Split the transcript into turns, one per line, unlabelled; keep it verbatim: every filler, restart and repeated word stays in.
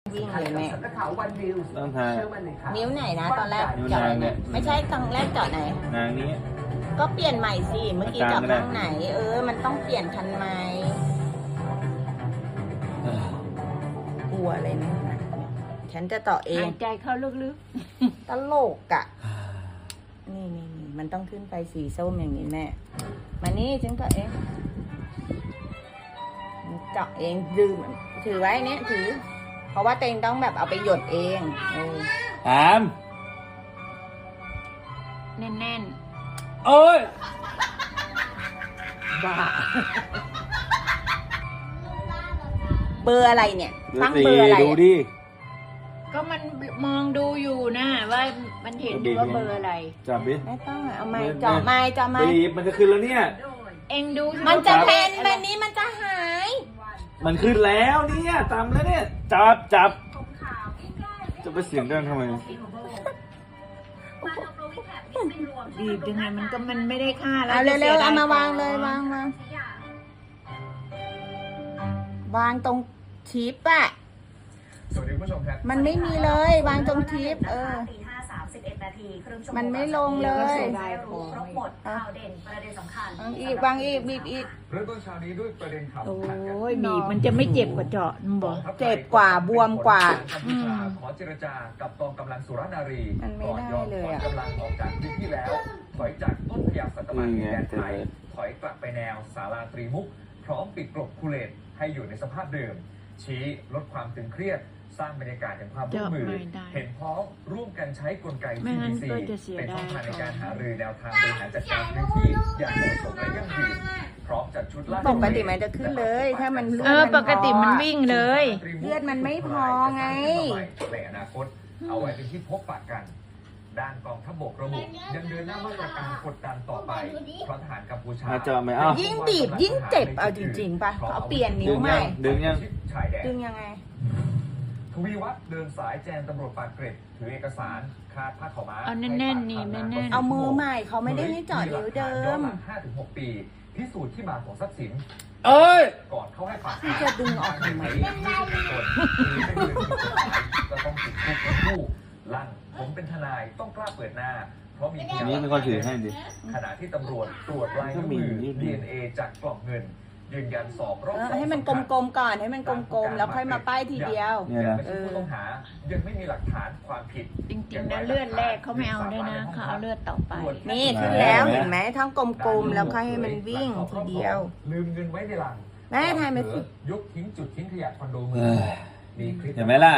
วิ่งเลยแม่
ต้องทา
นิ้วไหนนะตอนแรก
นิ้ว
เจาะ
นาง
ไหน
เนี่ย
ไม่ใช่ตอนแรกเจาะไหน
นางนี้
ก็เปลี่ยนใหม่สิเมื่อกี้เจาะข้างไหน เออ มันต้องเปลี่ยนทันไหมกลัวเลยนะฉันจะต่อเอง
หายใจเข้าลึก
ตลกอ่ะ นี่นี่นี่มันต้องขึ้นไปสีส้มอย่างนี้แม่ มานี่ฉันก็เองเจาะเองดื่มถือไว้เนี้ยถือ เพราะว่าเตงต้องแบบเอาไปหยดเองเออ
ถาม
ๆ แน่น
โอ้ย
บ้าเบอร์อะไรเนี่ย
ดู
ตั้ง
สิ
เบอร์อะไร
ดู
อะ
ดิ
ๆ ก็มันมองดูอยู่นะว่ามันเห็นอยู่ว่าเบอร์อะไร
จับดิ
ไม่ต้องอะเอาไม้
ไม่
เจาะไม้เจาะไม้
บีบมันจะขึ้นแล้วเนี่ย
เอ็งดูสิ
มันจะ
ว่า
แพ
บ
น
อร์
แบ
อะไร
บนี้มันจะหาย
มันขึ้นแล้วเนี่ยตามแล้วเนี่ย จับจับ จะไปเสียงดังทำไม
บีบยังไงมันก็มันไม่ได้ค่าแล้ว
เอา
จะ
เร็วๆ
สียด
เอามาวาง
ข
เลยวางวางวางตรงทิปอะ
สวัสดีคุณผู้ชมครับ
มันไม่มีเลยวางตรงทิปเออ
ตีห้าสามสิบเอ็ดนาทีครึ่งชั่วโมง
มันไม่ลงเล
ดี๋วก็
ย
เสียดายของ
ครบหมดข่าวเด่นประเด็นสำคัญ
วางอีกวางอีกบีบอีก
เริ่มต้นเช้านี้ด้วยประเด็นข่าว
โอ้
สำคัญครับ
ยบีบมันจะไม่เจ็บกว่าเจาะมึงบอก
เจ็บกว่าบวมกว่า
กัมพูชาขอเจรจากับกองกำลังสุรนารี
มันไม่
ก่อน
ได้
ยอม
เลย
ถอน
อะ
กำลังออกจากพื้นที่แล้ว ถอยจากต้นพญาสัตบันดินแดนไทยถอยกลับไปแนวศาลาตรีมุก พร้อมปิดกลบคูเลตให้อยู่ในสภาพเดิม ชี้ลดความตึงเครียด สร้างบรรยากาศแห่งความร่วมมือ
เจาะไม่ได้
เห็นพ้องร่วมกันใช้กลไก
ไม่
ที
งั้
ดี
น
ซี
ก็จะเสีย
เป็นช่อง
ดาย
ทางในการหารือแนวทางบริหารจัดการพื้นที่อย่างเหมาะสมและยั่งยืนพร้อมจัดชุดลาด
ปกติมันจะขึ้นเลย ถ้ามันเลื
เอ
อ
อ
ด
ป
มัน
กติมัน
พอ
วิ่งเลย
เลือดมันไม่พอไง
ในอนาคต เอาไว้เป็นที่พบปะกัน ด้านกองทัพบกระบุยังเดินหน้ามาตรการกดดันต่อไปเพราะทหารกัมพูชา
มาเจาะไหมอ้าว
ยิ่งบีบยิ่งเจ็บเอาจริงๆป่ะเขาเปลี่ยนนิ้วใหม่
ดึงยัง
ชายแดน
ดึงยังไง
ทวีวัฒน์เดินสายแจงตำรวจปากเกร็ดถือเอกสารคาดผ้าขาวม้า
เอาแน่นๆนี่แน่นๆ
เอามือใหม่เขาไม่ได้ให้เจาะนิ้วเดิม
ห้าถึงหกปี พิสูจน์ที่มาของทรัพย์สิน
เอ้ย
ก่อนเข้าให้ปาก
ที่จะดึงออกทำไม
ไม่ใช่เป็นคนหรือเป็นเรื่องผิดกฎหมายก็ต้องติดคุกทั้งคู่ลั่นผมเป็นทนายต้องกล้าเปิดหน้า เพราะมีพยา
นี่เป็นคนถือให้ดิ
ขณะที่ตำรวจตรวจลายนิ้วมือ ดี เอ็น เอ จากกล่องเงิน ยืนยันสอบรอบ
เออ
สอง
ให้มันกลมๆก่อนให้มันกลมๆแล้วค่อยมาป้ายทีเดียว
เนี่ย
ยัง
นะ
ไม่ใช่ผู้ต้องหา ยังไม่มีหลักฐานความผิด
จริงๆนะเลือดแรกเขาไม่เอาด้วยนะเขาเอาเลือดต่อไป
นี่ขึ้นแล้วเห็นไหมทั้งกลมๆแล้วค่อยให้มันวิ่งทีเดียว
ลืมเงินไว้ในหลัง
แม่ทายไหมสิ
ยกทิ้งจุดทิ้งขยะคอนโดเมืองทองมีคลิป
เห็นไหมล่ะ